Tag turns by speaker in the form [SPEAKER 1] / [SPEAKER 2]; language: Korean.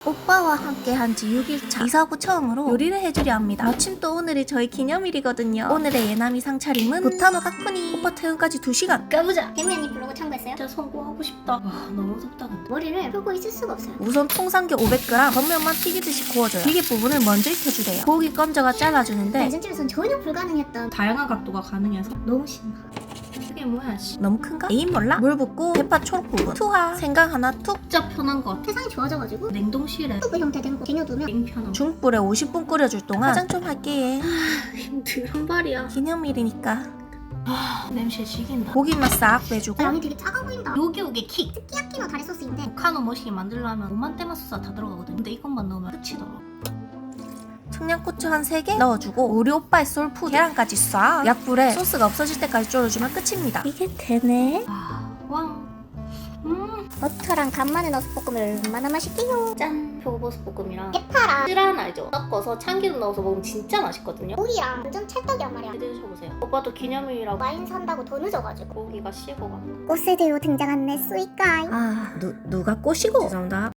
[SPEAKER 1] 오빠와 함께 한 지 6일차. 이사후 처음으로 요리를 해주려 합니다. 마침 또 오늘이 저희 기념일이거든요. 오늘의 예나미상 차림은 부타노 다쿠니. 오빠 퇴근까지 2시간.
[SPEAKER 2] 가보자. 대무야님 블로그 참고했어요?
[SPEAKER 3] 진짜 성공하고 싶다. 와 너무 덥다 근데.
[SPEAKER 2] 머리를 풀고 있을 수가 없어요.
[SPEAKER 1] 우선 통삼겹 500g 겉면만 튀기듯이 구워줘요. 기계 부분을 먼저 익혀주래요. 고기 건져가 잘라주는데
[SPEAKER 2] 예전집에선 전혀 불가능했던
[SPEAKER 3] 다양한 각도가 가능해서
[SPEAKER 2] 너무 신나.
[SPEAKER 3] 그게 뭐야 씨.
[SPEAKER 1] 너무 큰가? 에임 몰라? 물 붓고 대파 초록 부분 투하. 생강 하나 툭.
[SPEAKER 3] 진짜 편한 것 같아.
[SPEAKER 2] 세상이 좋아져가지고
[SPEAKER 3] 냉동실에
[SPEAKER 2] 튜브 형태된 거 쟁여두면
[SPEAKER 3] 냉편함.
[SPEAKER 1] 중불에 50분 끓여줄 동안 화장 좀 할게.
[SPEAKER 3] 힘들 한 발이야.
[SPEAKER 1] 기념일이니까
[SPEAKER 3] 냄새 죽인다.
[SPEAKER 1] 고기만 싹 빼주고
[SPEAKER 2] 양이 되게 작아 보인다.
[SPEAKER 3] 요게 킥.
[SPEAKER 2] 스키야키노 다리 소스인데
[SPEAKER 3] 카노 머시기 만들려면 5만 대만 소스가 다 들어가거든. 근데 이것만 넣으면 끝이더라.
[SPEAKER 1] 청양고추 한 3개 넣어주고 우리 오빠의 솔푸드 계란까지 쏴. 약불에 소스가 없어질 때까지 졸여주면 끝입니다. 이게 되네?
[SPEAKER 3] 왕.
[SPEAKER 2] 버터랑 간마늘 넣어서 볶으면 얼마나 맛있게요.
[SPEAKER 3] 짠. 표고버섯 볶음이랑
[SPEAKER 2] 해파랑
[SPEAKER 3] 쓰란 알죠? 섞어서 참기름 넣어서 먹으면 진짜 맛있거든요.
[SPEAKER 2] 고기랑 완전 찰떡이란 말이야.
[SPEAKER 3] 드셔보세요. 오빠도 기념일이라고
[SPEAKER 2] 와인 산다고 더 늦어가지고.
[SPEAKER 3] 고기가 식어가.
[SPEAKER 2] 꽃세대로 등장한 내 스윗가이.
[SPEAKER 1] 아 누가 꼬시고? 죄송합니다.